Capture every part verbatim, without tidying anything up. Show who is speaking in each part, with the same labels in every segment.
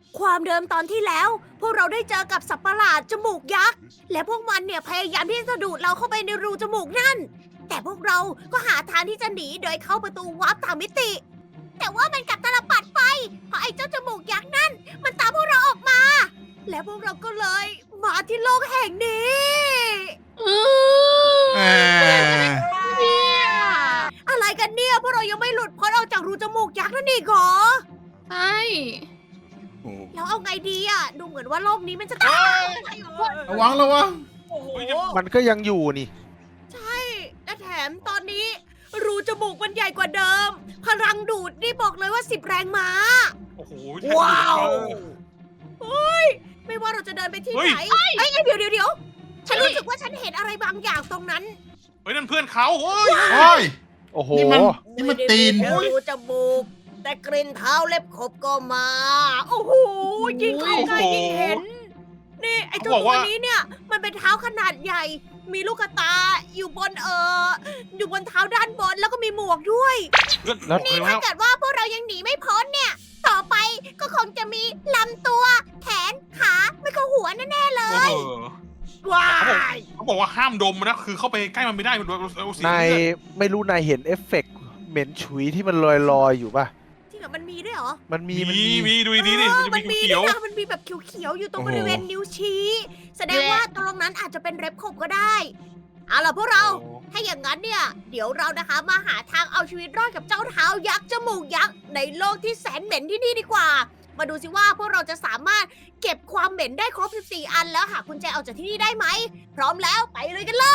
Speaker 1: ความเดิมตอนที่แล้ว พวกเราได้เจอกับสัตว์ประหลาดจมูกยักษ์ และพวกมันเนี่ยพยายามที่จะดูดเราเข้าไปในรูจมูกนั่น แต่พวกเราก็หาทางที่จะหนีโดยเข้าประตูวาร์ปต่างมิติ แต่ว่ามันกลับตลปัดไป เพราะไอ้เจ้าจมูกยักษ์นั่น มันตามพวกเราออกมา และพวกเราก็เลยมาที่โลกแห่งนี้
Speaker 2: อือ
Speaker 3: เออ
Speaker 2: เนี่ย
Speaker 1: อะไรกันเนี่ย พวกเรายังไม่หลุดพ้นออกจากรูจมูกยักษ์นั่นอีกเหรอ
Speaker 2: ใช่
Speaker 3: โอ้
Speaker 1: แล้วเอาไงดีอ่ะ ดูเหมือนว่าโลกนี้มันจะตาย
Speaker 3: ระวังระวัง
Speaker 1: โอ้โห
Speaker 4: มันก็ยังอยู่นี่
Speaker 1: ใช่ และแถมตอนนี้ รูจมูกมันใหญ่กว่าเดิม พลังดูดนี่บอกเลยว่าสิบแรงม้า
Speaker 5: โอ้โห
Speaker 1: ว้าวเฮ้ย ไม่ว่าเราจะเดินไปที่ไหนเอ้ยเอ้ยเดี๋ยวเดี๋ยวเดี๋ยวฉันรู้สึกว่าฉันเห็นอะไรบางอย่างตรงนั้น
Speaker 5: เฮ้ยนั่นเพื่อนเขาเฮ้ย
Speaker 3: โอ้ย
Speaker 4: โอ้โห
Speaker 3: นี่มัน นี่มันตีน
Speaker 1: ไม่ได้รูจมูก แต่กลิ่นเท้าเล็บขบก็มา โอ้โห ยิ่งเข้าใกล้ยิ่งเห็น นี่ไอ้เจ้าตัวนี้เนี่ย มันเป็นเท้าขนาดใหญ่ มีลูกกระตาอยู่บนเอ่อ อยู่บนเท้าด้านบนแล้วก็มีหมวกด้วย
Speaker 5: เพื่อน
Speaker 4: แล้ว
Speaker 5: นี่
Speaker 1: ถ้าเกิดว่าพวกเรายังหนีไม่พ้นเนี่ย ต่อไปก็คงจะมีลำตัว แขน ขาไม่ก็หัวแน่ๆเลย ว้าย
Speaker 5: เขาบอกว่าห้ามดมนะ คือเข้าไปใกล้มันไม่ได้มันเอาเสียง
Speaker 4: นาย
Speaker 5: เลือด
Speaker 4: ไม่รู้นายเห็นเอฟเฟกต์เหม็นฉุยที่มันลอยลอยๆอยู่ป่ะ
Speaker 1: จริงเหรอมันมีด้วยเหรอ
Speaker 4: มันมี มัน
Speaker 5: มี
Speaker 4: มี
Speaker 5: มีดูดีๆดิ
Speaker 1: เอ
Speaker 5: มัน
Speaker 1: อ
Speaker 5: จะมีเขียว
Speaker 1: ด้วยนะมันมีแบบเขียวๆอยู่ตรงบริเวณนิ้วชี้ แสดงว่าตรงนั้นอาจจะเป็นเร็บขบก็ได้ เอาล่ะพวกเรา ถ้าอย่างนั้นเนี่ย เดี๋ยวเรานะคะมาหาทางเอาชีวิตรอดกับเจ้าเท้ายักษ์จมูกยักษ์ในโลกที่แสนเหม็นที่นี่ดีกว่า มาดูสิว่าพวกเราจะสามารถเก็บความเหม็นได้ครบสิบสี่อันแล้วหากุญแจออกจากที่นี่ได้ไหม พร้อมแล้วไปเลยกันเลย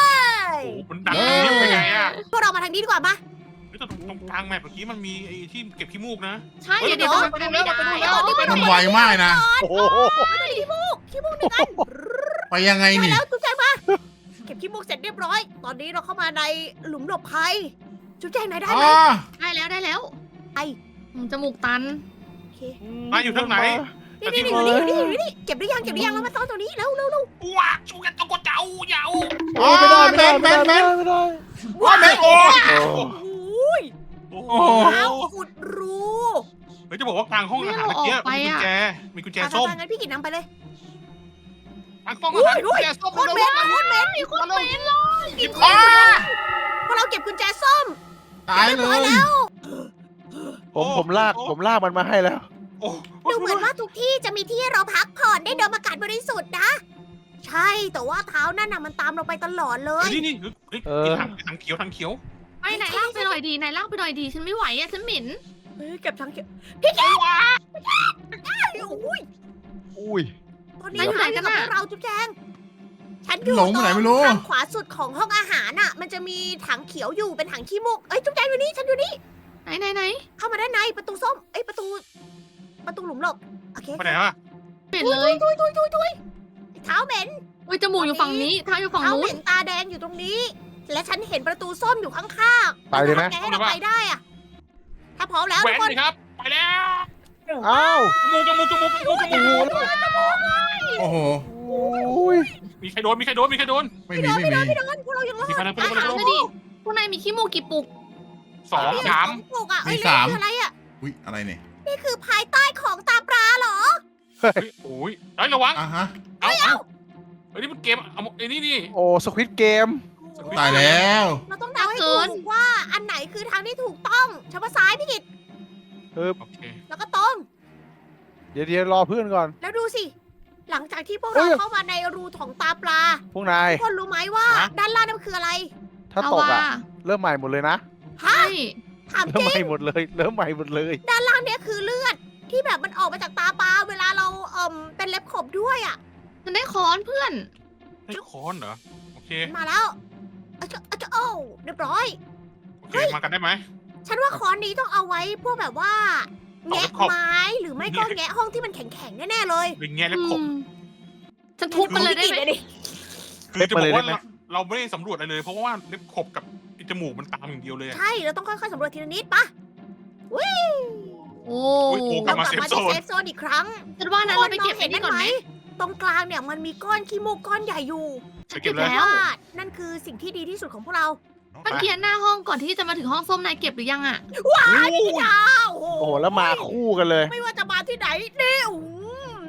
Speaker 5: โอ้โหมันดังอย่างนี้เป็นไงอ่ะ
Speaker 1: พวกเรามาทางนี้ดีกว่ามา
Speaker 5: เฮ้ยแต่ตรงตรงกลางแมปเมื่อกี้มันมีไอ้ที่เก็บขี้มูกนะ
Speaker 2: ใช่
Speaker 5: เฮ้ย
Speaker 2: เดี๋ยวเดี๋ยวมันไปไม่ได้
Speaker 5: ไปดูแล้ว
Speaker 3: มันไวมากนะ
Speaker 4: โอ้โห
Speaker 1: ขี้มูกขี้มูกหนึ่งอัน
Speaker 3: ไปยังไง
Speaker 1: ไป
Speaker 3: นี่
Speaker 1: แล้วจุ๊บแจงมา เก็บขี้มูกเสร็จเรียบร้อย ตอนนี้เราเข้ามาในหลุมหลบภัย จุ๊บแจงไหนได้
Speaker 3: อ๋
Speaker 1: ไหม
Speaker 3: อ
Speaker 2: ได้แล้วได้แล้ว
Speaker 1: ไอ้
Speaker 2: อืมจมูกตัน
Speaker 1: โอเค
Speaker 5: นายอยู่ทางไหน
Speaker 1: นี่นี่นี่อยู่นี่อยู่นี่อยู่นี่เก็บหรือยังเก็บหรือยังแล้วมาซ่อนตรงนี้แล้วเร็วเร็ว
Speaker 5: ว้าชูกันตะโกเจ้าเยา
Speaker 3: อ๋อ
Speaker 4: ไม่ได้
Speaker 3: แม
Speaker 4: ไม่
Speaker 3: น
Speaker 4: ได้
Speaker 3: แม
Speaker 4: ไม่
Speaker 3: น
Speaker 4: ได้
Speaker 3: แมน
Speaker 4: ไม่ได้
Speaker 3: ว้าแมนโอ้
Speaker 4: โอ้
Speaker 1: โอ้ย
Speaker 5: โอ้โห
Speaker 3: โอ้โห
Speaker 1: เท้าอุดรู
Speaker 5: เฮ้ยจะบอกว่ากลางห้องอาหารเมื่อกี้มีกุญแจมีกุญแจส้ม
Speaker 1: อ่ะงั้นพี่กินน้ำไปเลย
Speaker 5: กลางห้องอาหารกุญแจส้ม
Speaker 1: โคตรเหม็นโคตรเหม็น
Speaker 2: มีคนเป็นเลย
Speaker 1: กินของพวกเราเก็บกุญแจส้ม
Speaker 3: ตาย
Speaker 1: เรียบ
Speaker 3: เล
Speaker 1: ร้อย
Speaker 3: ย
Speaker 1: แล้ว
Speaker 4: ผมผมลากผมลากมันมาให้แล้ว
Speaker 5: โอ้
Speaker 1: ดูเหมือนว่าทุกที่จะมีที่ให้เราพักผ่อนได้ดมอากาศบริสุทธิ์นะ ใช่แต่ว่าเท้านั่นน่ะมันตามเราไปตลอดเลย
Speaker 5: นี่นี่เฮ้ย
Speaker 4: เออ
Speaker 5: ทางทางเขียวทางเขียว
Speaker 2: ไปไหนลากไปหน่อยดีไหนลากไปหน่อยดีฉันไม่ไหวอ่ะฉันเหม็น
Speaker 1: เฮ้ยเก็บทั้งเก็บพี่แกว้าอุ้ย
Speaker 4: อุ้ย
Speaker 1: ตอนนี้อยู่ไหนกันนะเราจุ๊บแจงฉันอยู่
Speaker 3: หลงไปไหนไม่รู้
Speaker 1: ทางขวาสุดของห้องอาหารน่ะ มันจะมีถังเขียวอยู่เป็นถังขี้มูกเอ้ยจุ๊บแจงอยู่นี่ฉันอยู่นี่
Speaker 2: ไหนไหนไหน
Speaker 1: เข้ามาด้านในประตูส้มเอ้ยประตู ประตูหลุมหลบโอเค
Speaker 5: ไปไหนวะ
Speaker 2: เหม็นเลย
Speaker 1: ทุยทุยทุยทุยเท้าเหม็น
Speaker 2: อุ้ยจมูกอยู่ฝั่งนี้เท้าอยู่ฝั่ง
Speaker 1: เท้า
Speaker 2: นู้
Speaker 1: เห
Speaker 2: น
Speaker 1: ม็นตาแดงอยู่ตรงนี้ และฉันเห็นประตูส้มอยู่ข้างๆ
Speaker 4: ไปเลยไหม
Speaker 1: แกให้เราไปได้อะถ้าพร้อมแล้ว
Speaker 5: แหว
Speaker 1: ทุ
Speaker 5: น
Speaker 1: กคน
Speaker 5: เลยครับ ไปแล้ว
Speaker 4: อ้าว
Speaker 5: จมูกจมูกจมูกจมูกจมูก
Speaker 3: โอ้โห
Speaker 4: อุ้ย
Speaker 5: มีใครโดนมีใครโดนมีใครโดน
Speaker 3: ไม่มีไม่มี
Speaker 1: ไม่โดนพวกเรายังรอด
Speaker 5: มีใครโดน
Speaker 2: ไปถามเลยดิพวกนายมีขี้มูกกี่ปุก
Speaker 5: สองสาม
Speaker 1: ปลูกอ่ะเอ้ย
Speaker 3: มีสาม
Speaker 1: นี่คืออะไรอ่ะ
Speaker 3: อุ้ยอะไรเนี่ย
Speaker 1: นี่คือภายใต้ของตาปลาเหรอ
Speaker 5: เฮ้ยโอ้ยเฮ้ยระวัง
Speaker 3: อ่ะฮะ
Speaker 5: เอาเอาเฮ้ยนี่มันเกมเอาไอ้นี่นี่
Speaker 4: โอ้สควิตเกม
Speaker 3: ตายแล้ว
Speaker 1: เราต้องเดาให้ถูกว่าอันไหนคือทางที่ถูกต้องเฉพาะซ้ายพี่กิต
Speaker 4: เออ
Speaker 5: โอเค
Speaker 1: แล้วก็ตรง
Speaker 4: เดี๋ยวเดี๋ยวรอเพื่อนก่อน
Speaker 1: แล้วดูสิ หลังจากที่พวก
Speaker 4: เอ้
Speaker 1: เรา
Speaker 4: ย
Speaker 1: เข้ามาในรูของตาปลา
Speaker 4: พวกนาย
Speaker 1: ทุกคนรู้ไหมว่า ด้านล่างนั่นคืออะไร
Speaker 4: ถ้า
Speaker 2: เอา
Speaker 4: ตก
Speaker 2: ว่า
Speaker 4: อ่ะ เริ่มใหม่หมดเลยนะ
Speaker 1: ฮะ
Speaker 2: ใช่
Speaker 1: ถาม
Speaker 4: เริ่
Speaker 1: จ
Speaker 4: ม
Speaker 1: ริ
Speaker 4: ให
Speaker 1: ง
Speaker 4: ม่หมดเลย เริ่มใหม่หมดเลย
Speaker 1: ด้านล่างเนี่ยคือเลือดที่แบบมันออกมาจากตาปลาเวลาเราเอ่มเป็นเล็บขบด้วยอ่ะ
Speaker 2: ฉันได้ค้อนเพื่อน
Speaker 5: ให้คอนเหรอโอเค
Speaker 1: มาแล้วอาจจะอาจจะโอ้เรียบร้อย
Speaker 5: โอเคมากันได้ไหม
Speaker 1: ฉันว่าค้อนนี้ต้องเอาไว้พวกแบบว่า
Speaker 5: เอาไว้
Speaker 1: แงะ
Speaker 5: ขอบ
Speaker 1: ไม้หรือไม่ก็แงะห้องที่มันแข็งๆแน่ๆเลย
Speaker 5: เป็นแง่และขบ
Speaker 2: อืมฉันทุบมันเลยได้ไหม
Speaker 5: คือจะบอกว่า
Speaker 4: เล็บมาเลยได้ไหม
Speaker 5: เราเราไม่ได้สำรวจอะไรเลย เพราะว่าเล็บขบกับจมูกมันตามอย่างเดียวเลยอะ
Speaker 1: ใช่เราต้องค่อยๆสำรวจทีละนิดปะวิ่ง
Speaker 2: โอ้
Speaker 5: โอ้ยโอ้
Speaker 1: เรา
Speaker 5: มาก
Speaker 1: ลับ
Speaker 5: เซฟ
Speaker 1: มา
Speaker 5: โซ
Speaker 1: ที่
Speaker 5: น
Speaker 1: เซฟโซนอีกครั้ง
Speaker 2: ฉันว่านั้นเราไปเก็บไอ้นี่ก่อนไหม
Speaker 1: ตรงกลางเนี่ยมันมีก้อนขี้มูกก้อนใหญ่อยู่
Speaker 5: ไปเก็บเลย
Speaker 2: แล้ว
Speaker 1: ว่านั่นคือสิ่งที่ดีที่สุดของพวกเรา
Speaker 2: เมื่อกี้หน้าห้องก่อนที่จะมาถึงห้องส้มนายเก็บหรือยังอ่ะ
Speaker 1: ว้ายพี่ดาวโอ้
Speaker 4: โอ้โห แล้วมาคู่กันเลย
Speaker 1: ไม่ว่าจะมาที่ไหนนี่อืม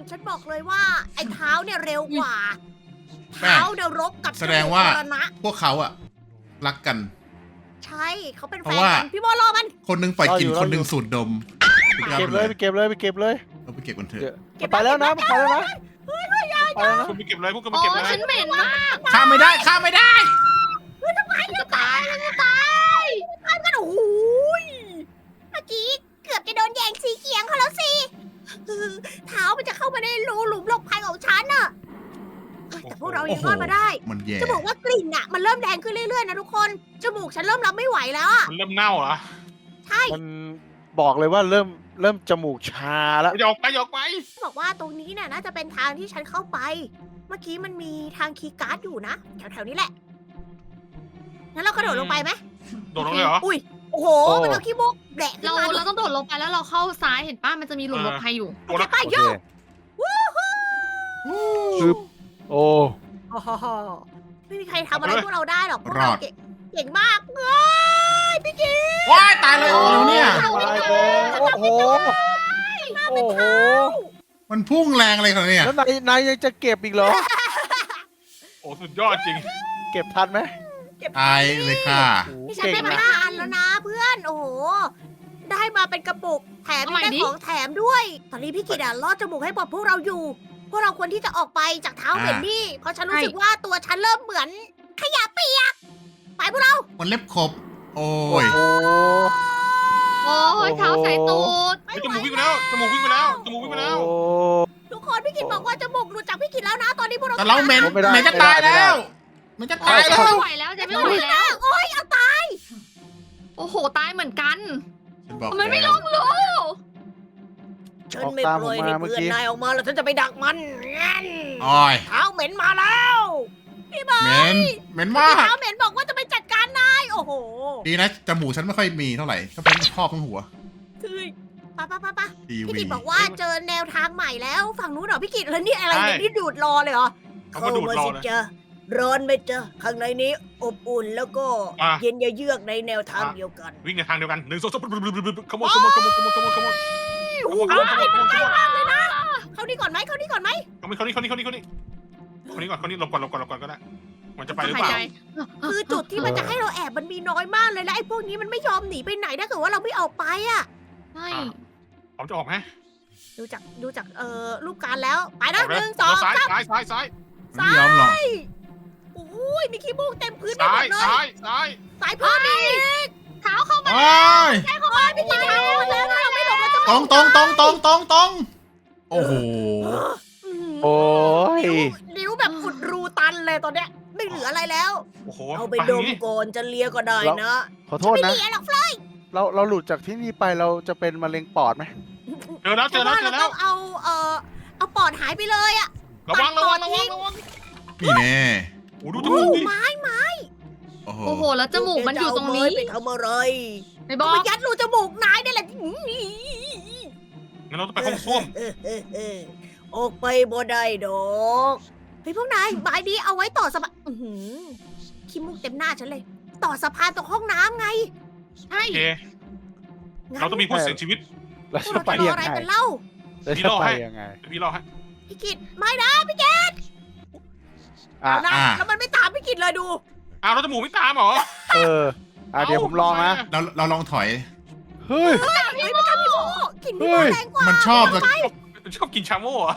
Speaker 1: ฉันบอกเลยว่าไอ้เท้าเนี่ยเร็วกว่า
Speaker 3: แป้ง
Speaker 1: เท้าเนี่ยรบกับ
Speaker 3: แสดงว่า
Speaker 1: จมูกมรณะ
Speaker 3: พวกเขาอะรักกัน
Speaker 1: ใช่เขาเป็น
Speaker 3: เพ
Speaker 1: แฟ
Speaker 3: ราะ
Speaker 1: น
Speaker 3: ว่า
Speaker 1: กันพี่โมรอมัน
Speaker 3: คนหนึงปล่อยกลิ่น
Speaker 4: รออยู่
Speaker 3: คนหนึง
Speaker 4: รออยู่
Speaker 3: สูดดม
Speaker 4: ไปเก็บเลยไปเก็บเลยไปเก็บเลย
Speaker 3: เราไปเก็บกันเถ
Speaker 4: เดี๋ยว
Speaker 3: อะ
Speaker 4: มันไปแล้วนะมันไปแล้วนะไปแล้วนะ
Speaker 5: คุณไปเก็บเลยพวกคุณไป
Speaker 2: โอ้
Speaker 5: เก็บเลย
Speaker 2: ฉันเหม็นมาก
Speaker 3: ข้ามไม่ได้ข้ามไม่ได้
Speaker 2: จะตายแล้วจะตาย
Speaker 1: ท่านกันโอ้โหยเมื่อกี้เกือบจะโดนแยงสีเขียงเขาแล้วสิเท้ามันจะเข้ามาในรูหลุมหลบภัยของฉันน่ะแต่พวกเรายังรอดมาได้
Speaker 3: มันแย่
Speaker 1: จะบอกว่ากลิ่นอะมันเริ่มแดงขึ้นเรื่อยๆนะทุกคนจมูกฉันเริ่มรับไม่ไหวแล้วอะ
Speaker 5: มันเริ่มเน่าเหรอ
Speaker 1: ใช่
Speaker 4: มันบอกเลยว่าเริ่มเริ่มจมูกชาแล้ว
Speaker 5: อย่าออกไปอย่าออกไป
Speaker 1: บอกว่าตรงนี้เนี่ยน่าจะเป็นทางที่ฉันเข้าไป เมื่อกี้มันมีทางคีย์การ์ดอยู่นะแถวๆนี้แหละงั้นเรากระโดดลงไปไหม
Speaker 5: โดดลงเลยเหรอ
Speaker 1: อุ้ยโอ้โหมันเอาขี้มุกแดะขึ้
Speaker 2: เรา
Speaker 1: นมา
Speaker 2: เราต้องโดดลงไปแล้วเราเข้าซ้ายเห็นป้ามันจะมีหลุมหลบภัยอยู่
Speaker 5: โดดแล้ว
Speaker 1: ไป
Speaker 4: โอ
Speaker 1: โย
Speaker 4: เคปึ๊บโอ้
Speaker 1: โอ้โหไม่มีใครทำอะไรพวกเราได้หรอกพวก
Speaker 3: ร
Speaker 1: เรา
Speaker 3: อด
Speaker 1: เก่งเก่งมากเอ้ยพี่กิ๊ก
Speaker 3: ว้ายตายเลยโอ้แล้วเนี่ย
Speaker 4: ตายแล้วโอ้โหโอ้โห
Speaker 3: มันพุ่งแรงอะไรขนาดเนี้ย
Speaker 4: แล้วนายนายยังจะเก็บอีกเหรอ
Speaker 5: โอ้สุดยอดจริง
Speaker 4: เก็บทันไหม
Speaker 1: เก็บ
Speaker 3: ตายเลยค่ะ
Speaker 4: โอ้โห
Speaker 1: นี่ฉัน
Speaker 4: เก่ง
Speaker 1: ได้มา
Speaker 4: นะ
Speaker 1: ห้าอันแล้วนะเพื่อนโอ้โหได้มาเป็นกระปุกแถม
Speaker 2: เอาใหม่
Speaker 1: ได้
Speaker 2: ดิ
Speaker 1: ของแถมด้วย ตอนนี้พี่กิดอะลอดจมูกให้บอกพวกเราอยู่ พวกเราควรที่จะออกไปจากเท้าเห็นนี่เพราะฉันรู้สึกว่าตัวฉันเริ่มเหมือนขยะเปียกไปพวกเรา
Speaker 3: มันเล็บขบ โอ้
Speaker 4: โอ้
Speaker 3: ย
Speaker 4: โห
Speaker 2: โอ้ยเท้าใส่ตูด
Speaker 5: เฮ้ยจมูกวิ่งไปแล้วจมูกวิ่งไปแล้วจมูกวิ่งไปแล้ว
Speaker 4: โอ้
Speaker 1: ทุกคนพี่กิดบอกว่าจมูกหลุดจากพี่กิดแล้วนะตอนนี้พวกเรา
Speaker 3: แต่เราเหม็น
Speaker 4: ไม่ได้
Speaker 3: เหม็นจะตาย
Speaker 4: ไม่ได้
Speaker 3: แล้วเหม็นจะตาย
Speaker 2: จะ
Speaker 3: แล้ว
Speaker 2: ไม่ไหวแล้วจะไม่ไหวแล้ว
Speaker 1: โอ้ยเอาตาย
Speaker 2: โอ้โหตายเหมือนกัน
Speaker 3: ฉันบอก
Speaker 2: มันไม่
Speaker 3: แล้
Speaker 2: ล
Speaker 3: ว
Speaker 2: งรู้
Speaker 1: ฉันไม่ปล่อยให้เพื่อนนายออกมาแล้วฉันจะไปดักมันงั้น
Speaker 3: โอ้ย
Speaker 1: เท้าเหม็นมาแล้วพี่บอ
Speaker 3: เห
Speaker 1: ย
Speaker 3: ม็นเหม็นมาก
Speaker 1: เท้าเหม็นบอกว่าจะไปจัดการนายโอ้โห
Speaker 3: ดีนะจมูกฉันไม่ค่อยมีเท่าไหร่ก็เป็นครอบทั้งหัว
Speaker 1: คือปะปะปะปะ
Speaker 3: ที
Speaker 1: พี่
Speaker 3: วี
Speaker 1: กิตบอกว่าเจอแนวทางใหม่แล้วฝั่งนู้นเหรอพี่กิตแล้วนี่อะไรเนี่ยนี่ดูดรอเลยเหรอ
Speaker 5: เขามาดูดรอ
Speaker 1: สิ
Speaker 5: เลย
Speaker 1: จ๊ะร้อนไหมจ๊ะข้างในนี้อบอุ่นแล้วก็
Speaker 5: อ่ะ
Speaker 1: เย็นเยือกในแนวทางเดียวกัน
Speaker 5: วิ่งในทางเดียวกันหนึ่งสองสามขโมยขโมยขโมยขโมยขโมยขโมย
Speaker 1: โอ้โหมันใกล้มากเลยนะเข้านี่ก่อนไหมเข้านี่ก่อนไหม
Speaker 5: ขโมยคนนี้คนนี้คนนี้คนนี้คนนี้ก่อนคนนี้หลบก่อนหลบก่อนหลบก่อนก็ได้มันจะไปหรือ
Speaker 2: หาย
Speaker 5: เปล่า
Speaker 2: ใจ
Speaker 1: คือจุดที่มันจะให้เราแอบมันมีน้อยมากเลยและไอ้พวกนี้มันไม่ยอมหนีไปไหนถ้าเกิดว่าเราไม่ออกไปอ่ะ
Speaker 2: ใช่
Speaker 5: ผมจะออกไหม
Speaker 1: ดูจากดูจากเอ่อรูปการแล้วไปนะ
Speaker 5: ออก
Speaker 1: ห
Speaker 5: เลย
Speaker 1: นึ่งสอง
Speaker 5: ซ้าย
Speaker 1: สาม
Speaker 5: ซ้ายซ้ายซ้าย
Speaker 3: มันไม่ยอมหรอก
Speaker 1: อุ้ยมีขี้มูกเต็มพื้นไป
Speaker 5: ซ้า
Speaker 1: หม
Speaker 5: ย
Speaker 1: ดเลย
Speaker 5: ซ้ายซ้าย
Speaker 1: สายพื้นนี่
Speaker 2: เท้าเข้ามา
Speaker 3: โอ้ย
Speaker 1: ใช่เขาว่าไม่กินทางแล้วถ้าเราไม่หลบเราจะ
Speaker 3: ตรงตรงตรงตรงตรงตรงโอ้โห
Speaker 4: โอ้ย
Speaker 1: นิ้วนิ้วแบบอุดรูตันเลยตอนเนี้ยไม่เหลืออะไรแล้ว
Speaker 5: โอ้โห
Speaker 1: เอาไปดมก่อนจะเลียก็ได้นะ
Speaker 4: ขอโทษ
Speaker 1: ไม่
Speaker 4: นะ
Speaker 1: เลียหรอกเฟลย
Speaker 4: เราเราหลุดจากที่นี่ไปเราจะเป็นมะเร็งปอดไหม
Speaker 5: เจอแล้วเจอแล้วเจอ
Speaker 1: เรา
Speaker 5: แล้
Speaker 1: ต้
Speaker 5: ว
Speaker 1: องเอาเอ่อเอาปอดหายไปเลยอะ
Speaker 5: ระวังระวังระวังระวัง
Speaker 3: นี่แน่
Speaker 5: โอ้ดูจมูกดิ
Speaker 1: ไม้ไม้
Speaker 3: โอ้โห
Speaker 2: โอ้โหแล้วจมูกมันอยู่ตรงนี้
Speaker 1: ไปทำอะไร
Speaker 2: ไม่บ
Speaker 1: เอา
Speaker 2: อก
Speaker 1: ไปยัดรูจมูกนายได้แหละ
Speaker 5: งั้นเราต้องไปห้องส้วม
Speaker 1: เออเออเออออกไปบ่ได้ดอกเฮ้ยพวกนายใบนี้เอาไว้ต่อสะพานอื้อหือขี้มูกเต็มหน้าฉันเลย ต่อสะพานตรงห้องน้ำไง
Speaker 2: ใช่
Speaker 5: โอเค
Speaker 1: งั้น
Speaker 5: เราต้องมีผู้เสียชีวิต
Speaker 4: เรา
Speaker 1: พวก
Speaker 4: จะ
Speaker 1: เรา
Speaker 4: ไป
Speaker 1: จะรอ
Speaker 4: ยัง
Speaker 1: อะไร
Speaker 4: ไง
Speaker 1: กันเล่า
Speaker 4: เรา
Speaker 5: พี่
Speaker 4: จะ
Speaker 5: รอ
Speaker 4: ไป
Speaker 5: ให้
Speaker 4: ยังไง
Speaker 5: พี่รอให้
Speaker 1: พี่กิตไม่นะพี่แก
Speaker 4: อ่ะ
Speaker 1: เอานะแล้วมันไม่ตามพี่กิตเลยดู
Speaker 5: อ้าวเราจมูกไม่ตามเหรอ
Speaker 4: เอออ่ะเดี๋ยวผมลองนะ
Speaker 3: เราเราลองถอย
Speaker 4: เฮ้ย
Speaker 1: เฮ้ยไม่ตามพี่โมกลินพี่โม
Speaker 4: เฮ้ย
Speaker 1: แรงกว่า
Speaker 3: มันชอบจะ
Speaker 5: ชอบกินชาโม่เหรอก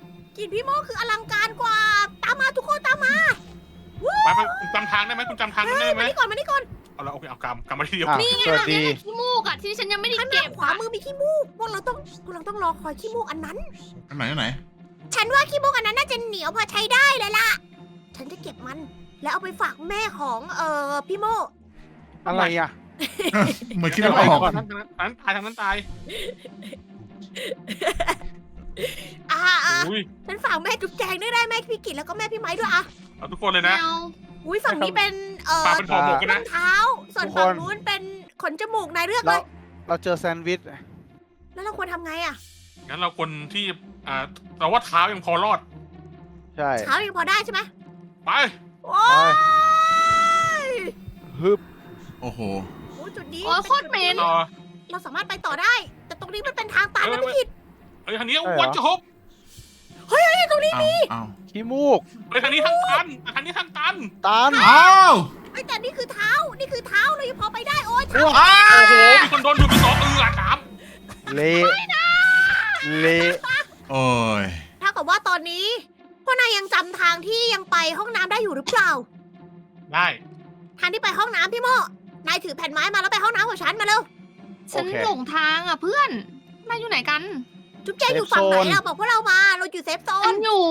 Speaker 1: ลินพี่โมคืออลังการกว่า ตามมาทุกคนตามมา
Speaker 5: ไปไปคุณจำทางได้ไหมคุณจำทางได้ไหม
Speaker 1: มานี่ก่อนมานี่ก่อน
Speaker 5: เอาละโอเคเอากำกำมาทีเดียว
Speaker 4: อ่ะ
Speaker 2: นี่ไง
Speaker 4: สวัส
Speaker 2: เรา
Speaker 4: ดี
Speaker 2: เนี่ยขี้มูกอะที่ฉันยังไม่ได้
Speaker 1: ข้างห
Speaker 2: เก็
Speaker 1: น้า
Speaker 2: บ
Speaker 1: ขวามือมีขี้มูกพวกเราต้องพวกเราต้องรอคอยขี้มูกอันนั้น
Speaker 3: อันไหนอันไหน
Speaker 1: ฉันว่าขี้มูกอันนั้นน่าจะเหนียวพอใช้ได้เลยล่ะ ฉันจะเก็บมัน แล้วเอาไปฝากแม่ของเอ่อพี่โม
Speaker 4: อะไรอ่ะ
Speaker 3: เหมือนคิดไม่ออก
Speaker 5: ทางนั้นทางนั้นตายทางนั้นตาย
Speaker 1: อ่าอ่า
Speaker 5: อุ้ย
Speaker 1: ฉันฝากแม่จุ๊บแจงด้วยได้แม่พี่กิตแล้วก็แม่พี่ไม้ด้วยอ่ะ
Speaker 5: เอาทุกคนเลย
Speaker 2: ไม่
Speaker 5: นะ
Speaker 2: เอา
Speaker 1: อุ้ยฝั่งนี้เป็นเอ่อ
Speaker 5: ปลาเป็นห่อหมกกัน
Speaker 1: รอ
Speaker 5: นะ
Speaker 1: งเท้า ส่วน
Speaker 4: ทุกคน
Speaker 1: ฝั่งนู้นเป็นขนจมูกนายเลือกเล
Speaker 4: เรา
Speaker 1: ย
Speaker 4: เราเจอแซนด์วิช
Speaker 1: แล้วเราควรทำไงอ่ะ
Speaker 5: งั้นเราคนที่อ่าเราว่าเท้ายังพอรอด
Speaker 4: ใช่
Speaker 1: เช้ายังพอได้ใช่ไหม
Speaker 5: ไป
Speaker 1: โอ้ย
Speaker 4: ฮึบ
Speaker 3: โอ้โห
Speaker 1: โอ้ยจุดนี้
Speaker 2: โอ้ยโคตรเหม็น
Speaker 5: ต่อ
Speaker 1: เราสามารถไปต่อได้ แต่ตรงนี้มันเป็นทางตันนะพี่กิต
Speaker 5: เฮ้ยทางนี้วันจะฮบ
Speaker 1: ตรงนี้
Speaker 3: เอาเอา
Speaker 4: ขี้มูก
Speaker 5: เฮ้ยทางนี้ทางตันทางนี้ทางตัน
Speaker 4: ตัน
Speaker 3: เอา
Speaker 1: ไอ้ยแต่นี่คือเท้า นี่คือเท้าเรายังพอไปได้โอ้ยเท้า
Speaker 3: อ้า
Speaker 5: โอ้โห
Speaker 3: ว
Speaker 5: มีคนโดนดูดไปสองเอือครับ
Speaker 4: เละเละ
Speaker 3: โอ้ย
Speaker 1: ถ้ากับว่าตอนนี้พวกนายยังจำทางที่ยังไปห้องน้ำได้อยู่หรือเปล่า
Speaker 5: ได้
Speaker 1: ทางที่ไปห้องน้ำพี่โมนายถือแผ่นไม้มาแล้วไปห้องน้ำของฉันมาเร็ว
Speaker 2: ฉันหลงทางอ่ะเพื่อนนายอยู่ไหนกัน
Speaker 1: จุ๊บแจงอยู่ฝั่งไหนเราบอกพวกเรามาเราอยู่เซฟโซ
Speaker 2: ฉั
Speaker 1: น
Speaker 2: นอยู่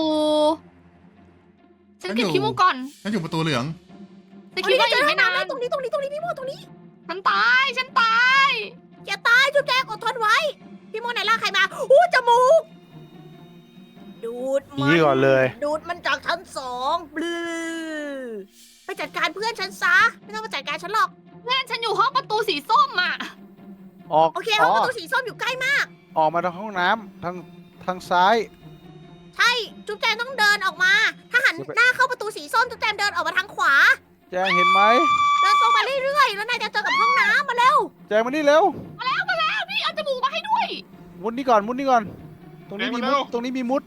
Speaker 2: ฉันเก็บขี้มูกก่อน
Speaker 3: ฉันอยู่ประตูเหลือง
Speaker 2: แต่
Speaker 1: โอ้
Speaker 2: คิด
Speaker 1: ย
Speaker 2: ว่า
Speaker 1: เจ
Speaker 2: อี
Speaker 1: อก ห้
Speaker 2: ไม่
Speaker 1: องน้ำ
Speaker 2: นา
Speaker 1: แล้
Speaker 2: น
Speaker 1: วตรงนี้ตรงนี้ตรงนี้พี่โมตรงนี้
Speaker 2: ฉันตาย ฉันตาย
Speaker 1: อย่าตายจุ๊บแจงอดทนไว้ พี่โมไหนล่ากใครมาอู้จมูกดูด
Speaker 4: หนี
Speaker 1: มัน
Speaker 4: ก่อนเลย
Speaker 1: ดูดมันจากชั้นสองบลือไปจัดการเพื่อนฉันซะไม่ต้องมาจัดการฉันหรอก
Speaker 2: เพื่อนฉันอยู่ห้องประตูสีส้มอ่ะ
Speaker 4: ออก
Speaker 1: โอเคห้องประตูสีส้มอยู่ใกล้มาก
Speaker 4: ออกมาทางห้องน้ำทางทางซ้าย
Speaker 1: ใช่จุ๊บแจงต้องเดินออกมา ถ้าหันหน้าเข้าประตูสีส้มจุ๊บแจงเดินออกมาทางขวา
Speaker 4: แจงเห็นไหม
Speaker 1: เดินตรงมาเรื่อยๆ แล้วนายจะเจอกับห้องน้ำมาเร็ว
Speaker 4: แจงมานี่เร็ว
Speaker 2: พี่เอาจมูกมาให้ด้วย
Speaker 4: มุดนี่ก่อนมุดนี่ก่อน ตรงนี้มีมุดตรงนี้มีมุด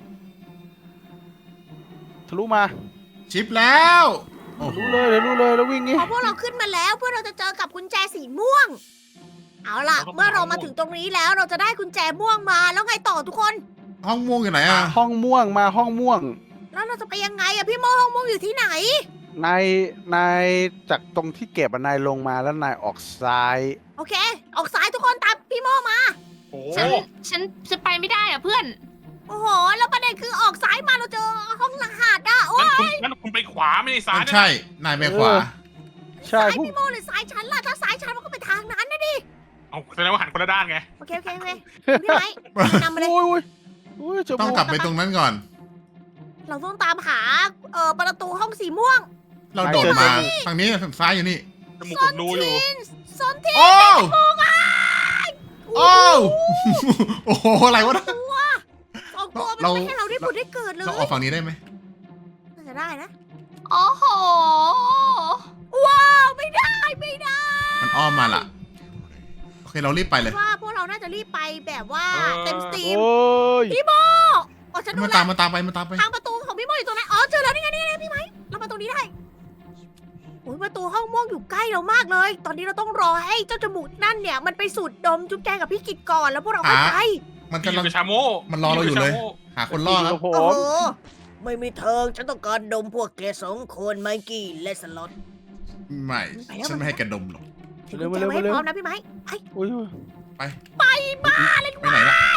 Speaker 4: ทะลุมา
Speaker 3: ชิปแล้วโอ้โห
Speaker 4: รู้เลยเดี๋ยวรู้เลยแล้ววิ่งงี้
Speaker 1: พอพวกเราขึ้นมาแล้วเพื่อเราจะเจอกับกุญแจสีม่วง เอาล่ะ เมื่อเรามาถึงตรงนี้แล้วเราจะได้กุญแจม่วงมาแล้วไงต่อทุกคน
Speaker 3: ห้องม่วงอยู่ไหนอ่ะ
Speaker 4: ห้องม่วงมาห้องม่วง
Speaker 1: แล้วเราจะไปยังไงอะพี่โมห้องม่วงอยู่ที่ไหน
Speaker 4: นายนายจากตรงที่เก็บอะนายลงมาแล้วนายออกซ้าย
Speaker 1: โอเค ออกซ้ายทุกคนตามพี่โมมา
Speaker 5: โอ้
Speaker 2: ฉัน ฉันจะไปไม่ได้อ่ะเพื่อน
Speaker 1: โอ้โห แล้วประเด็นคือออกซ้ายมาเราเจอห้องรหัสอะโอ้ย
Speaker 5: งั้นคุณงั้นคุณไปขวาไม่ได้ซ้าย
Speaker 3: มัน
Speaker 5: นะ
Speaker 3: ใช่ นายไปขวา
Speaker 4: ใช่
Speaker 1: ซ้าย
Speaker 4: พวก
Speaker 1: พี่โมหรือซ้ายฉันล่ะ ถ้าซ้ายฉันมันก็ไปทางนั้นนะ
Speaker 5: เอาแสดงว่าหันคนละด้านไง
Speaker 1: โอเคโอเคโอเคพี่ไม้นำมาเลย
Speaker 4: โอ้ยโอ้ยโอ้ยจ
Speaker 3: ต้อง
Speaker 4: มูก
Speaker 3: กลับไปตรงนั้นก่อน
Speaker 1: เราต้องตามหาเอ่อประตูห้องสีม่วง
Speaker 3: เราโดดมาทางนี้ทางซ้ายอยู่นี่
Speaker 5: จมูกผมดูอยู่
Speaker 1: ซอนที
Speaker 3: โอ้โอ้โอ้โหอะไรวะ
Speaker 1: ตัวสองตัวมัน
Speaker 3: เรา
Speaker 1: ไม่ให้เราได้ผุดได้เกิดเลย
Speaker 3: เราออกฝั่งนี้ได้ไหม
Speaker 1: น่าจะได้นะ
Speaker 2: โอ้โห
Speaker 1: ว้าวไม่ได้ไม่ได้
Speaker 3: มันอ้อมมาล่ะ โอเคเรารีบไปเลย
Speaker 1: ว่าพวกเราน่าจะรีบไปแบบว่า
Speaker 5: เออ
Speaker 1: เต็มสตรีม
Speaker 4: โอ้ย
Speaker 1: พี่โมอ๋อฉันดู
Speaker 3: มัน
Speaker 1: แล
Speaker 3: ตามมันตามไปมันตามไป
Speaker 1: ทางประตูของพี่โมอยู่ตรงไหนอ๋อเจอแล้วนี่ไงนี่ไงพี่ไม้เรามาตรงนี้ได้โอ้ยประตูห้องม่วงอยู่ใกล้เรามากเลย ตอนนี้เราต้องรอให้เจ้าจมูกนั่นเนี่ยมันไปสูดดมจุ๊บแจงกับพี่กิจก่อนแล้วพวกเราค่อยไป
Speaker 3: มัน
Speaker 5: พี่
Speaker 3: กำลัง
Speaker 5: กับชาโม
Speaker 3: มันรอเราอยู่เลย หาคนล่อครับ
Speaker 4: ผ
Speaker 1: โอ้
Speaker 4: ม
Speaker 1: โหไม่มีเธอฉันต้องการดมพวกแกสองคนไมกี้และสล็อต
Speaker 3: ไม่ ฉันไม่ให้แกดมหรอก
Speaker 1: ถือกุญแจไว้ให้พร้อมนะพี่ไม้ไป
Speaker 4: โอ้ยโอ้ย
Speaker 3: ไปบ้าเลยไปไหนล่ะ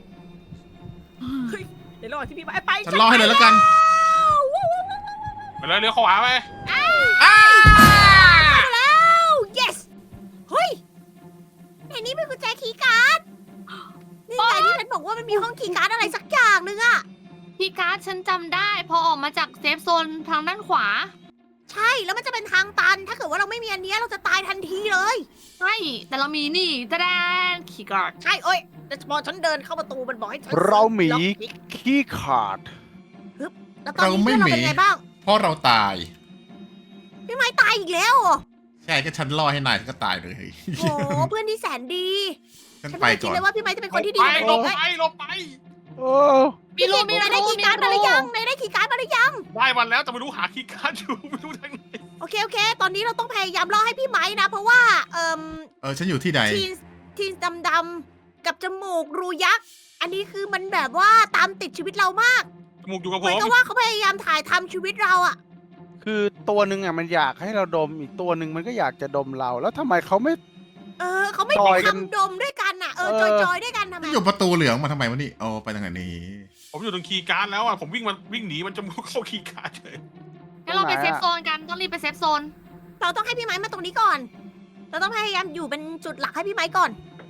Speaker 1: เดี๋ยวรอที่พี่ไม้ไป
Speaker 3: ฉันล่อให้เลยแล้วกัน
Speaker 5: ไปเลยเลี้ยวขวาไป
Speaker 3: อ้า
Speaker 1: แล้ว yes เฮ้ยในนี้เป็นกุญแจคีย์การ์ดนี่ไงที่ฉันบอกว่ามันมีห้องคีย์การ์ดอะไรสักอย่างหนึ่งอะ
Speaker 2: พี่การ์ดฉันจำได้ พอออกมาจากเซฟโซนทางด้านขวา
Speaker 1: ใช่แล้วมันจะเป็นทางตัน ถ้าเกิดว่าเราไม่มีอันเนี้ยเราจะตายทันทีเลย
Speaker 2: ใช่ แต่เรามีนี่ตะแดนขี่การ์ด
Speaker 1: ใช่เอ้ยแต่พอฉันเดินเข้าประตูมันบอกให้ฉัน
Speaker 4: เราหมี
Speaker 1: ล็อกพิก
Speaker 4: ขี้ขาด
Speaker 1: แล้วตอนนี้เพื่อนเราเป็นไงบ้าง
Speaker 3: เพราะเราตาย
Speaker 1: พี่ไม้ตายอีกแล้วเหรอ
Speaker 3: ใช่ก็ฉันล่อให้นายฉันก็ตายเลย
Speaker 1: โอ้เพื่อนที่แสนดี
Speaker 3: ฉัน
Speaker 1: ฉัน
Speaker 3: ไป
Speaker 1: ไม่คิ
Speaker 3: ก่
Speaker 1: ด
Speaker 3: อน
Speaker 1: เลยว่าพี่ไม้จะเป็นคนที่ดี
Speaker 5: ไป
Speaker 1: กับ
Speaker 5: หล
Speaker 1: ผ
Speaker 5: บ
Speaker 1: ม
Speaker 5: ไปหลบไป
Speaker 4: โอ้
Speaker 2: มีรูมี
Speaker 1: นาย
Speaker 2: รู
Speaker 1: ได้คีย์การ์ดมาหรือยังนายได้คีย์การ์ดมาหรือยัง
Speaker 5: ได้วันแล้วแต่ไม่รู้หาคีย์การ์ดอยู่ไม่รู้ทางไหน
Speaker 1: โอเคโอเค ตอนนี้เราต้องพยายามล่อให้พี่ไม้นะ เพราะว่าเอ่ม
Speaker 3: เออฉันอยู่ที่ไหน
Speaker 1: ทีนทีนดำๆกับจมูกรูยักษ์ อันนี้คือมันแบบว่าตามติดชีวิตเรามาก
Speaker 5: จมูกอยู่กับ
Speaker 1: เห
Speaker 5: ผ
Speaker 1: มือน
Speaker 5: ม
Speaker 1: กับว่าเขาพยายามถ่ายทำชีวิตเราอะ
Speaker 4: คือตัวหนึ่งอ่ะมันอยากให้เราดมอีกตัวหนึ่งมันก็อยากจะดมเรา แล้วทำไมเขาไม่
Speaker 1: เออเขาไม่
Speaker 4: จ
Speaker 1: ไป
Speaker 4: อยกัน
Speaker 1: ทำดมด้วยกันอะเออ
Speaker 4: เอ
Speaker 1: จ
Speaker 4: อ
Speaker 1: อยจอยๆด้วยกันทำไม
Speaker 3: ฉันอยู่ประตูเหลืองมาทำไมวะนี่เอาไปทางไหนนี้
Speaker 5: ผมอยู่ตรงคีย์การ์ดแล้วอ่ะผมวิ่งมาวิ่งหนีมันจมูกเข้าคีย์การ์ดเลย
Speaker 2: งั้นเราไปเซฟโซนกัน ต้องรีบไปเซฟโซน
Speaker 1: เราต้องให้พี่ไม้มาตรงนี้ก่อน เราต้องพยายามอยู่เป็นจุดหลักให้พี่ไม้ก่อน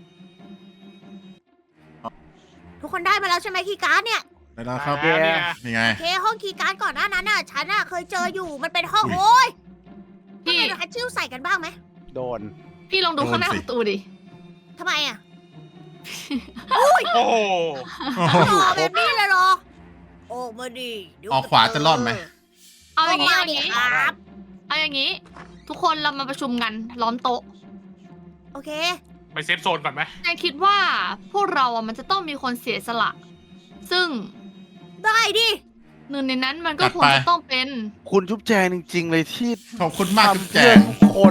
Speaker 1: ทุกคนได้มาแล้วใช่ไหมคีย์การ์ดเนี่ย
Speaker 3: ได้แล้วครับ
Speaker 5: อ่าเนี่ย
Speaker 3: นี่ไง
Speaker 1: โอเคห้องคีย์การ์ดก่อนหน้านั้นน่ะฉันน่ะเคยเจออยู่มันเป็นห้องโอ้ย
Speaker 2: พี่
Speaker 1: ทำไมเราฮัตชิ่วใส่กันบ้างไหม
Speaker 4: โดน
Speaker 2: พี่ลองดูข้างหน้า
Speaker 3: โดนสิ
Speaker 2: ประตูดิ
Speaker 1: ทำไมอ่ะ
Speaker 5: โอ้โห
Speaker 3: โอ้โห
Speaker 1: หล่อแบบนี้เลยเหรอออกมาดิเดี๋ย
Speaker 3: ออกขวาจะรอดไหม
Speaker 2: เอา
Speaker 1: อ
Speaker 2: อ
Speaker 1: อย่าง
Speaker 2: งี้
Speaker 1: มา
Speaker 2: เอาอ
Speaker 1: ดิ
Speaker 2: ย่างงี้
Speaker 1: ครับ
Speaker 2: เอาอย่างงี้ ทุกคนเรามาประชุมกันล้อมโต๊ะ
Speaker 1: โอเค
Speaker 5: ไปเซฟโซนก่อนไหม
Speaker 2: นายคิดว่าพวกเราอ่ะมันจะต้องมีคนเสียสละ ซึ่ง
Speaker 1: ได้ดิ
Speaker 2: หนึ่งในนั้นมันก็
Speaker 3: จัด
Speaker 2: คว
Speaker 3: ไป
Speaker 2: รจะต้องเป็น
Speaker 4: คุณจุ๊บแจงจริง ๆ เลยที่
Speaker 3: ขอบคุณมากจุ๊บ
Speaker 4: ทำ
Speaker 3: แจ
Speaker 4: เพื่อง ทุกคน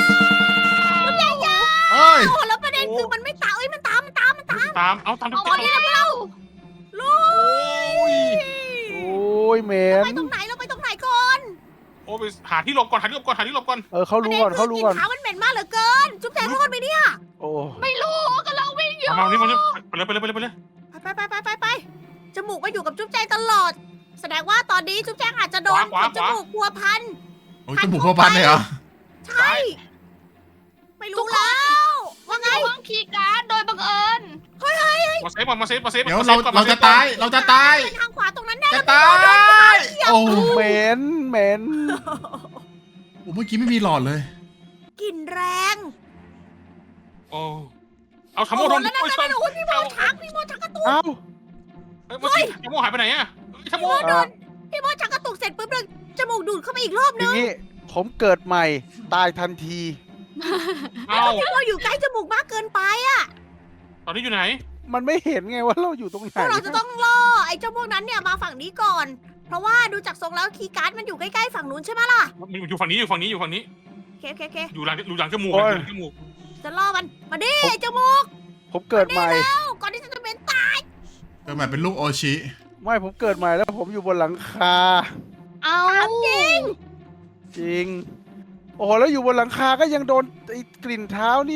Speaker 3: เอ้ย
Speaker 1: โอ้แล้วประเด็นคือมันไม่ตามเอ้ยมันตามมันตามมันตาม
Speaker 5: ตามเอาตามทุก
Speaker 2: เอา
Speaker 5: ที
Speaker 2: แล้ว
Speaker 1: ลุย
Speaker 4: โอ้ยเหม็
Speaker 1: ไป
Speaker 4: น
Speaker 1: ตรงไหนเราไปตรงไหนก่อน
Speaker 5: โอ้ไปหาที่หลบก่อนหาที่หลบก่อนหาที่หลบก่อน
Speaker 4: เออเขารู้ก่อนเขารู้ก่อน
Speaker 1: ประด็คืกลิ่นเท้ามันเหม็นมากเหลือเกิน จุ๊บแจงรอดไหมเนี่ย
Speaker 4: โอ้
Speaker 2: ไม่รู้ก็เราวิ่งอยู่
Speaker 5: เอามานี่มานี่ไปเลยไปเลยไปเลยไปเลย
Speaker 1: ไปไปไปไปไปจมูกมาอยู่กับจุ๊บแจงตลอด แสดงว่าตอนนี้จุ๊บแจงอาจจะโดนจมูกพัวพัน
Speaker 3: โอ้ยจมูกพ่อพันเลยเหรอ
Speaker 1: ใช่ ไม่รู้แล้ว ว่าไง
Speaker 2: อยู่ห้องคีย์การ์ดโดยบังเอิญ
Speaker 5: มาเซฟก่อนมาเซฟมาเซฟ
Speaker 3: เดี๋ยว
Speaker 5: มาซ
Speaker 3: เรา
Speaker 5: ฟก่อน
Speaker 3: เราจะตาย เราจะตาย
Speaker 1: เป็นทางขวาตรงนั้นแน่
Speaker 3: จะตาย โอ้โห
Speaker 4: เหม็นเหม็น
Speaker 3: เมื่อกี้ไม่มีหลอดเลย
Speaker 1: กลิ่นแรง
Speaker 5: โอ้เอาทำโม
Speaker 1: โอ้
Speaker 5: โด
Speaker 1: โห
Speaker 5: น
Speaker 1: แล้วนั่น
Speaker 5: โอ้ย
Speaker 1: นั่นโอ้ยพี่โมชักพี่โมชักกระตุก
Speaker 4: เอ้า
Speaker 5: เฮ้ยเมื่อกี้ทำโมหายไปไหนอะทำโม
Speaker 1: พี่โมโดนพี่โมชักกระตุกเสร็จปุ๊บเลยจมูกดูดเข้าไปอีกรอบ
Speaker 4: อ
Speaker 1: นึ
Speaker 4: ย่าง งนี้ผมเกิดใหม่ตายทันที
Speaker 5: เอา
Speaker 1: พี่โมอยู่ใกล้จมูกมากเกินไปอะ
Speaker 5: ตอนนี้อยู่ไหน
Speaker 4: มันไม่เห็นไงว่าเราอยู่ตรงไหน
Speaker 1: พวกเราจะต้องล่อไอ้เจ้าพวกนั้นเนี่ยมาฝั่งนี้ก่อน เพราะว่าดูจากทรงแล้วคีย์การ์ดมันอยู่ใกล้ๆฝั่งนู้นใช่ไหมล่ะ
Speaker 5: มันอยู่ฝั่งนี้อยู่ฝั่งนี้อยู่ฝั่งนี้
Speaker 1: โอเคโอเคโอเค
Speaker 5: อยู่หลังอยู่หลังจมูกอยู่หลังจมูก
Speaker 1: จะล่อมัน มาดิไอ้เจ้ามูก
Speaker 4: ผมเกิดใหม่
Speaker 1: เอ้าก่อนที่จะเป็นตาย
Speaker 3: เกิดใหม่เป็นลูกโอชิ
Speaker 4: ไม่ผมเกิดใหม่แล้วผมอยู่บนหลังคา
Speaker 2: เอา
Speaker 1: จริง
Speaker 4: จริง โอ้โหแล้วอยู่บนหลังคาก็ยังโดนไอ้กลิ่นเท้านี่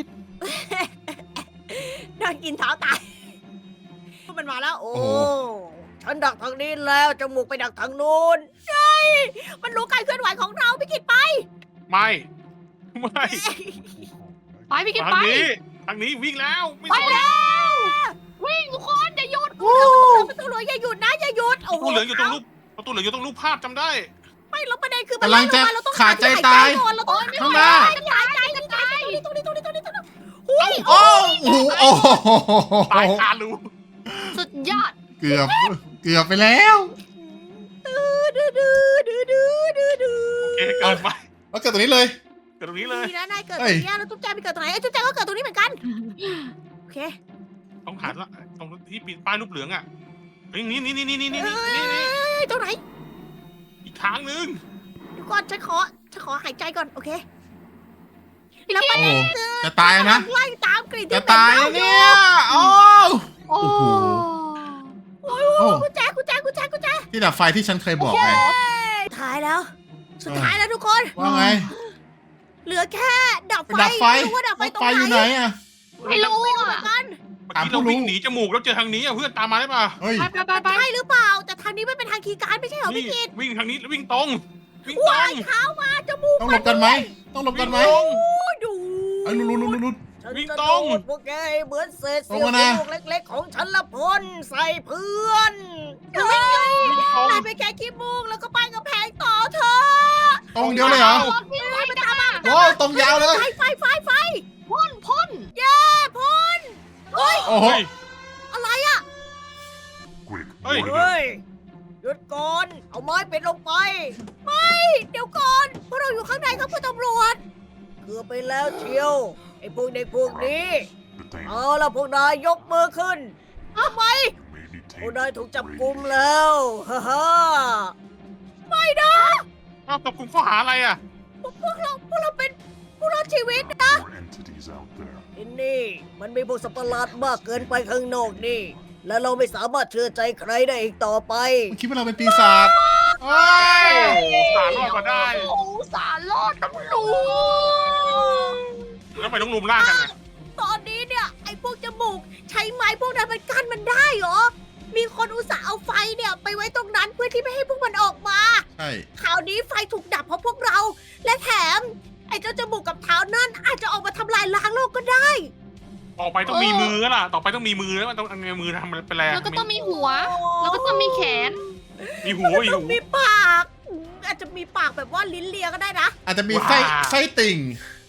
Speaker 1: โดนกินเท้าตายมันมาแล้ว โอ้ ฉันดักทางนี้แล้วจมูกไปดักทางนู้นใช่มันรู้การเคลื่อนไหวของเราพี่กิตไป
Speaker 5: ไม่ไม่
Speaker 2: ไปพี่กิน
Speaker 5: ทา
Speaker 2: ไป
Speaker 5: งนี้ทางนี้วิ่งแล้วไม่
Speaker 1: ไป
Speaker 5: สน
Speaker 1: แล้ว
Speaker 2: วิ่งทุกคนอย่าหยุด
Speaker 1: โอ้ประตูเหลืองอย่าหยุดนะอย่าหยุด
Speaker 5: ป
Speaker 1: โอ้
Speaker 5: ระ
Speaker 1: โห
Speaker 5: ตูเหลืองอยู่ตรงรูปประตูเหลืองอยู่ตรงรูปภาพจำได้
Speaker 1: ไม่แล้วประเด็นคือมัน
Speaker 3: กำลังจะ
Speaker 1: ไล่เรมเราต้อง
Speaker 3: ขาดใจตาย
Speaker 1: ก่อนเราต้อง
Speaker 3: ข้างหน้า
Speaker 1: หายใจหายใจตรงนี้ตรงนี้ตรงนี้ตรงนี้ตรงนี้หุ้ย
Speaker 3: โอ้โหโอ้โห
Speaker 5: ตายคารู
Speaker 2: สุดยอด
Speaker 3: เกือบ เกือบไปแล้ว
Speaker 1: ดื้อดื้อดื้อดื้อดื้อดื้อดื้อ
Speaker 5: โอเคเกิดไป
Speaker 3: แล้วเกิดตัวนี้เลย
Speaker 5: เกิดตรงนี้เลย
Speaker 1: ดีนะนายเกิดต
Speaker 3: เฮ้
Speaker 1: ร
Speaker 3: ย
Speaker 1: งนี้แล้วจุ๊บแจงไปเกิดตรงไหนไอ้ยจุ๊บแจงก็เกิดตรงนี้เหมือนกันโอเค
Speaker 5: ต้องหาละตรงที่ปีนป้ายรูปเหลืองอ่ะเฮ้ยนี่นี่นี่นี่นี่นี่
Speaker 1: เอ้
Speaker 5: นี่นี่
Speaker 1: ยตรงไหน
Speaker 5: อีกทางนึง
Speaker 1: เดี๋ยวก่อนฉันขอฉันขอหายใจก่อนโอเค
Speaker 2: พี่
Speaker 1: แล้ว
Speaker 2: กิ
Speaker 1: ประ
Speaker 2: น
Speaker 1: เด็น
Speaker 3: โอ้
Speaker 1: คือ
Speaker 3: จะตายแล้วนะ
Speaker 1: ไล่ตามกลิ่น
Speaker 3: จะ
Speaker 1: ที่เป็น
Speaker 3: ตาย
Speaker 1: เน่า
Speaker 3: แล้ว
Speaker 1: อยู่
Speaker 3: เนี่ยโอ้
Speaker 2: โอ้
Speaker 3: โอ้โห
Speaker 1: โอ้ย
Speaker 3: โอ้
Speaker 1: กุญแจกุญแจกุญแจกุญแจ
Speaker 3: ที่ดับไฟที่ฉันเคยบอกไง
Speaker 1: สุดท้ายแล้ว สุดท้ายแล้วทุกคน
Speaker 3: ว่าไง
Speaker 1: เหลือแค่ดับ
Speaker 3: ไป
Speaker 1: ไฟ
Speaker 3: ดับไฟ
Speaker 1: ม่รู้ว่าดับไฟ
Speaker 3: แล้ว
Speaker 1: ตรง
Speaker 3: ไฟ
Speaker 1: ไหน
Speaker 3: อยู่ไหนอ่ะ
Speaker 2: ไม่รู้
Speaker 1: ไม่รู้เหมื
Speaker 2: อ่ะ
Speaker 1: อนกัน
Speaker 5: เมื่อกี้เราวิ่งหนีจมูกแล้วเจอทางนี้อ่ะเพื่อนตามมาได้ป่ะ
Speaker 3: เฮ้ย
Speaker 2: ไปไปไปไป
Speaker 1: ใช่หรือเปล่า แต่ทางนี้ไม่เป็นทางคีย์การ์ดไม่ใช่เหรอ
Speaker 5: นี่
Speaker 1: พี่กิต
Speaker 5: วิ่งทางนี้แล้ววิ่งตรงวิ่งตร
Speaker 1: ว้าย
Speaker 5: ง
Speaker 1: เท้ามาจมูก
Speaker 3: ต้องหลบกันไหม ต้องหลบกันไหม
Speaker 1: โอ้ยดู
Speaker 3: ไอ้ยลุ้นลุ้นลุ้นลุ้น
Speaker 1: ฉัน
Speaker 5: วิ่ง
Speaker 1: จะ
Speaker 5: ต
Speaker 1: โด
Speaker 5: รง
Speaker 1: ดพวกแกให้เหมือนเศษเสี้ยว
Speaker 3: ตรงมานะ
Speaker 1: ลูกเล็กๆ ของฉันละพ่นใส่เพื่อนเฮ้ย
Speaker 5: วิ่งตรง
Speaker 1: นายไปแค่ขี้มูกแล้วก็ไปกับแพงต่อเธอ
Speaker 3: ตรงเดียวเลยเหรอ
Speaker 2: รถพี่ไว้นะ
Speaker 3: โอ้ตรงยาวเลย
Speaker 1: ไฟไฟไฟไฟ
Speaker 2: พ่นพ่น
Speaker 1: เย้พ่นเฮ้ย
Speaker 3: โอ้โห
Speaker 5: เฮ้ย
Speaker 1: อะไรอ่ะ
Speaker 5: เฮ้ย
Speaker 1: เฮ้ยหยุดก่อนเอาไม้ปิดลงไป ไม่ เดี๋ยวก่อนพวกเราอยู่ข้างในครับคุณตำรวจเกือบไปแล้วเชียวไอ้พวกเด็กพวกนี้เอาละพวกนายยกมือขึ้นทำไมพวกนายถูกจับกุมแล้วฮ่าฮ่าไม่นะ
Speaker 5: เอาตบกลุ่มข้อหาอะไรอ่ะ
Speaker 1: พวกเราพวกเราเป็นผู้รอดชีวิตนะที่นี่มันมีพวกสัตว์ประหลาดมากเกินไปข้างนอกนี่ และเราไม่สามารถเชื่อใจใครได้อีกต่อไป
Speaker 3: คิดว่าเราเป็นปีศาจเฮ้ย
Speaker 5: สารรอดมาได้
Speaker 2: โอ้สารรอดตำรวจ
Speaker 5: แล้วทำไมต้องรุมล่ากันอ่ะ
Speaker 1: ตอนนี้เนี่ยไอ้พวกจมูกใช้ไม้พวกนั้นมันกั้นมันได้เหรอ มีคนอุตส่าห์เอาไฟเนี่ยไปไว้ตรงนั้นเพื่อที่ไม่ให้พวกมันออกมา
Speaker 3: ใช่
Speaker 1: คราวนี้ไฟถูกดับเพราะพวกเรา และแถม ไอ้เจ้าจมูกกับเท้านั่นอาจจะออกมาทำลายล้างโลกก็ได้
Speaker 5: ต่อไปต้องมีมือแล้วล่ะ ต่อไปต้องมีมือแล้วมันต้องเอามือทำอะไรเป็นแรง
Speaker 2: แล้วก็ต้องมีหัว แล้วก็ต้องมีแขน
Speaker 5: มีหูมี
Speaker 1: ต้อ
Speaker 5: หู
Speaker 1: งมีปากอืมอาจจะมีปากแบบว่าลิ้นเลียก็ได้นะ
Speaker 3: อาจจะมีไส้ไส้ติ่ง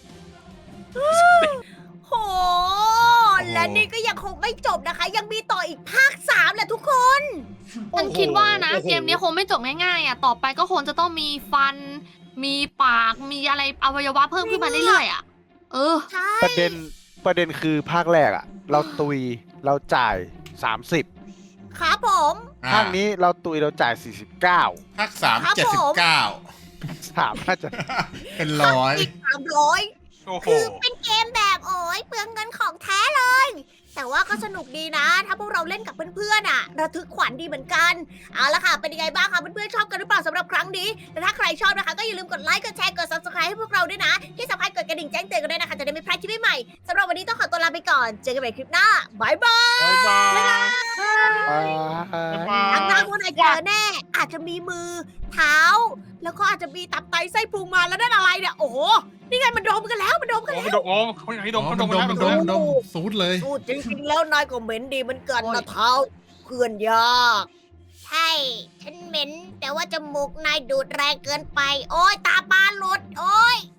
Speaker 1: โห และนี่ก็ยังคงไม่จบนะคะ ยังมีต่ออีกภาคสามแหละทุกคน
Speaker 2: ฉันคิดว่านะ เกมนี้คงไม่จบง่ายๆอ่ะ ต่อไปก็คงจะต้องมีฟัน มีปาก มีอะไรอวัยวะเพิ่มขึ้นมาเรื่อยๆอ่ะ เออ
Speaker 1: ใช่
Speaker 4: ประเด็นประเด็นคือภาคแรกอะเราตุยเราจ่ายสามสิบ
Speaker 1: ครับผม
Speaker 3: อ่
Speaker 4: ภาคนี้เราตุยเราจ่ายสี่สิบเก้า
Speaker 3: ภาคสาม
Speaker 1: ครับ
Speaker 3: เจ็ด
Speaker 1: ผ
Speaker 3: สิบ
Speaker 1: ม
Speaker 3: เก้า
Speaker 4: สามน่าจะ
Speaker 3: เป็นร้อย
Speaker 1: อีกสามร้อย
Speaker 5: โอ้โห
Speaker 1: คือเป็นเกมแบบโอ้ยเปลืองเงินของแท้เลย แต่ว่าก็สนุกดีนะ ถ้าพวกเราเล่นกับเพื่อนๆอ่ะ ระทึกขวัญดีเหมือนกัน เอาละค่ะ เป็นยังไงบ้างคะเพื่อนๆชอบกันหรือเปล่าสำหรับครั้งนี้แต่ถ้าใครชอบนะคะ ก็อย่าลืมกดไลค์ กดแชร์ กด subscribe ให้พวกเราด้วยนะ ที่สำคัญกดกระดิ่งแจ้งเตือนกันด้วยนะคะ จะได้ไม่พลาดคลิปใหม่ๆสำหรับวันนี้ต้องขอตัวลาไปก่อน เจอกันใหม่คลิปหน้าบายบาย
Speaker 5: บ๊ายบาย
Speaker 4: อ่า
Speaker 5: บ๊ายบาย
Speaker 1: ทางหน้าพวกนายเจอแน่ อาจจะมีมือเท้า แล้วก็อาจจะมีตับไตไส้พุงมาแล้วนั่นอะไรเนี่ยโอ้โหนี่ไงมันดมกันแล้วมันดมกัน
Speaker 5: โอ้
Speaker 1: แล้ว
Speaker 5: มันดมโอ้เขาอยากให้ด
Speaker 3: อ๋
Speaker 5: ม
Speaker 3: อ
Speaker 5: เขา
Speaker 3: มั
Speaker 5: ด
Speaker 3: น
Speaker 5: ม
Speaker 3: ดม
Speaker 5: กั
Speaker 3: มัน น
Speaker 5: แล้ว
Speaker 3: ด
Speaker 5: ด
Speaker 3: ม
Speaker 5: ม
Speaker 3: ดมสูดเลย
Speaker 1: พูดจริงๆแล้วนายก็เหม็นดีเหมือนกันนะเท้าเคลื่อนยาก ใช่ ฉันเหม็น แต่ว่าจมูกนายดูดแรงเกินไป โอ้ยตาปลาหลุด โอ้ย